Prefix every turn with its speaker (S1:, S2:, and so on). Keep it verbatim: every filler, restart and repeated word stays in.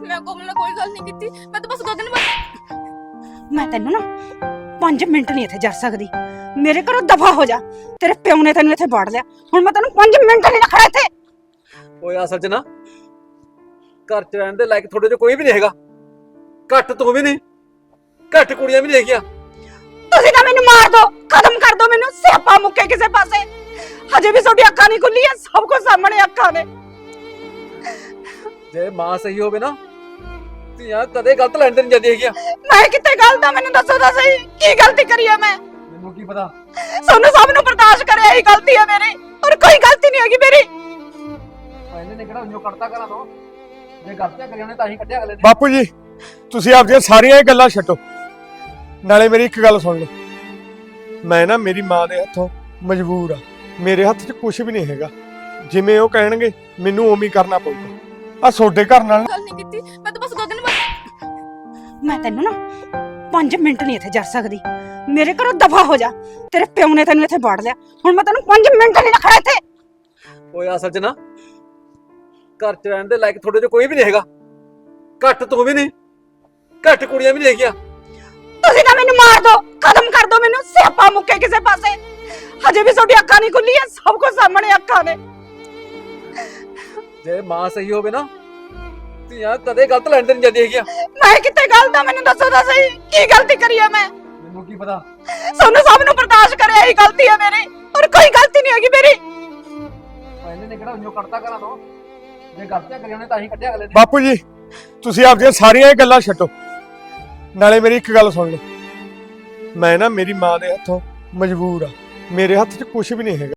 S1: मैं कोमल ਨਾਲ ਕੋਈ ਗੱਲ ਨਹੀਂ ਕੀਤੀ। मैं तो बस दो दिन बाद
S2: मैं तेन ना पांच मिनट नहीं इत्थे जा सकदी। मेरे घरों दफा हो जा। तेरे प्यो ने तेन इत्थे बाड़ लिया, हुण मैं तेन पांच मिनट नहीं रखना इत्थे।
S3: ਓਏ ਅਸਲ 'ਚ ਨਾ ਘਰ 'ਚ ਰਹਿਣ ਦੇ ਲਾਇਕ ਤੁਹਾਡੇ 'ਚ ਕੋਈ ਵੀ ਨਹੀਂ ਹੈਗਾ। ਘੱਟ ਤੂੰ ਵੀ ਨਹੀਂ, ਘੱਟ ਕੁੜੀਆਂ ਵੀ ਨਹੀਂ ਹੈਗੀਆਂ।
S2: ਤੁਸੀਂ ਤਾਂ ਮੈਨੂੰ ਮਾਰ ਦੋ, ਖਤਮ ਕਰ ਦੋ ਮੈਨੂੰ, ਸਿਆਪਾ ਮੁੱਕੇ ਕਿਸੇ ਪਾਸੇ। ਹਜੇ ਵੀ ਤੁਹਾਡੀ ਅੱਖਾਂ ਨਹੀਂ ਖੁੱਲੀਆਂ, ਸਭ ਕੁਝ ਸਾਹਮਣੇ ਅੱਖਾਂ ਨੇ।
S3: ਜੇ ਮਾਂ ਸਹੀ ਹੋਵੇ ਨਾ ਧੀਆਂ ਕਦੇ ਗਲਤ ਲੈਣ ਤੇ ਨਹੀਂ ਜਾਂਦੀਆਂ ਹੈਗੀਆਂ।
S2: ਮੈਂ ਕਿੱਥੇ ਗਲਤ ਆ, ਮੈਨੂੰ ਦੱਸੋ ਤਾਂ ਸਹੀ, ਕੀ ਗਲਤੀ ਕਰੀ ਆ ਮੈਂ?
S3: ਮੈਨੂੰ ਕੀ ਪਤਾ।
S2: ਸਾਨੂੰ ਸਭ ਨੂੰ ਬਰਦਾਸ਼ਤ ਕਰਿਆ ਹੀ ਗਲਤੀ ਆ ਮੇਰੀ, ਔਰ ਕੋਈ ਗਲਤੀ ਨਹੀਂ ਹੈਗੀ ਮੇਰੀ।
S3: ਇਹਨੇ ਨੇ ਕਿਹੜਾ ਉਹਨੂੰ ਕੱਢਤਾ ਕਰਾਂ ਤੋਂ, ਜੇ ਗਲਤੀਆਂ ਕਰੀਆਂ ਨੇ ਤਾਂ ਹੀ ਕੱਢਿਆ ਅਗਲੇ ਨੇ।
S4: ਬਾਪੂ ਜੀ ਤੁਸੀਂ ਆਪਦੀਆਂ ਸਾਰੀਆਂ ਇਹ ਗੱਲਾਂ ਛੱਡੋ, ਨਾਲੇ ਮੇਰੀ ਇੱਕ ਗੱਲ ਸੁਣ ਲਓ। ਮੈਂ ਨਾ ਮੇਰੀ ਮਾਂ ਦੇ ਹੱਥੋਂ ਮਜਬੂਰ ਆ, ਮੇਰੇ ਹੱਥ 'ਚ ਕੁਝ ਵੀ ਨਹੀਂ ਹੈਗਾ। ਜਿਵੇਂ ਉਹ ਕਹਿਣਗੇ ਮੈਨੂੰ ਉਵੇਂ ਹੀ ਕਰਨਾ ਪਊਗਾ। ਆ ਤੁਹਾਡੇ ਘਰ ਨਾਲ
S1: ਗੱਲ ਨਹੀਂ ਕੀਤੀ। मैं तो बस दो दिन बाद
S2: ਮੈਂ ਤੈਨੂੰ ਨਾ पांच मिनट नहीं इत्थे जा सकदी। मेरे घरों दफा हो जा। तेरे प्यो ने तेन इत्थे बाड़ लिया, हुण मैं तेन पांच मिनट नहीं रखना इत्थे।
S3: ਓਏ ਅਸਲ 'ਚ ਨਾ ਘਰ 'ਚ ਰਹਿਣ ਦੇ ਲਾਇਕ ਤੁਹਾਡੇ 'ਚ ਕੋਈ ਵੀ ਨਹੀਂ ਹੈਗਾ। ਘੱਟ ਤੂੰ ਵੀ ਨਹੀਂ, ਘੱਟ ਕੁੜੀਆਂ ਵੀ ਨਹੀਂ ਹੈਗੀਆਂ।
S2: ਤੁਸੀਂ ਤਾਂ ਮੈਨੂੰ ਮਾਰ ਦੋ, ਖਤਮ ਕਰ ਦੋ ਮੈਨੂੰ, ਸਿਆਪਾ ਮੁੱਕੇ ਕਿਸੇ ਪਾਸੇ। ਹਜੇ ਵੀ ਤੁਹਾਡੀ ਅੱਖਾਂ ਨਹੀਂ ਖੁੱਲੀਆਂ, ਸਭ ਕੁਝ ਸਾਹਮਣੇ ਅੱਖਾਂ ਨੇ।
S3: ਜੇ ਮਾਂ ਸਹੀ ਹੋਵੇ ਨਾ ਧੀਆਂ ਕਦੇ ਗਲਤ ਲੈਣ ਤੇ ਨਹੀਂ ਜਾਂਦੀਆਂ ਹੈਗੀਆਂ।
S2: ਮੈਂ ਕਿੱਥੇ ਗਲਤ ਆ, ਮੈਨੂੰ ਦੱਸੋ ਤਾਂ ਸਹੀ, ਕੀ ਗਲਤੀ ਕਰੀ ਆ ਮੈਂ?
S3: ਮੈਨੂੰ ਕੀ ਪਤਾ।
S2: ਸਾਨੂੰ ਸਭ ਨੂੰ ਬਰਦਾਸ਼ਤ ਕਰਿਆ ਹੀ ਗਲਤੀ ਆ ਮੇਰੀ, ਔਰ ਕੋਈ ਗਲਤੀ ਨਹੀਂ ਹੈਗੀ ਮੇਰੀ।
S3: ਇਹਨੇ ਨੇ ਕਿਹੜਾ ਉਹਨੂੰ ਕੱਢਤਾ ਕਰਾਂ ਤੋਂ, ਜੇ ਗਲਤੀਆਂ ਕਰੀਆਂ ਨੇ ਤਾਂ ਹੀ ਕੱਢਿਆ ਅਗਲੇ ਨੇ।
S4: ਬਾਪੂ ਜੀ ਤੁਸੀਂ ਆਪਦੀਆਂ ਸਾਰੀਆਂ ਇਹ ਗੱਲਾਂ ਛੱਡੋ, ਨਾਲੇ ਮੇਰੀ ਇੱਕ ਗੱਲ ਸੁਣ ਲਓ। ਮੈਂ ਨਾ ਮੇਰੀ ਮਾਂ ਦੇ ਹੱਥੋਂ ਮਜਬੂਰ ਆ, ਮੇਰੇ ਹੱਥ 'ਚ ਕੁਝ ਵੀ ਨਹੀਂ ਹੈਗਾ।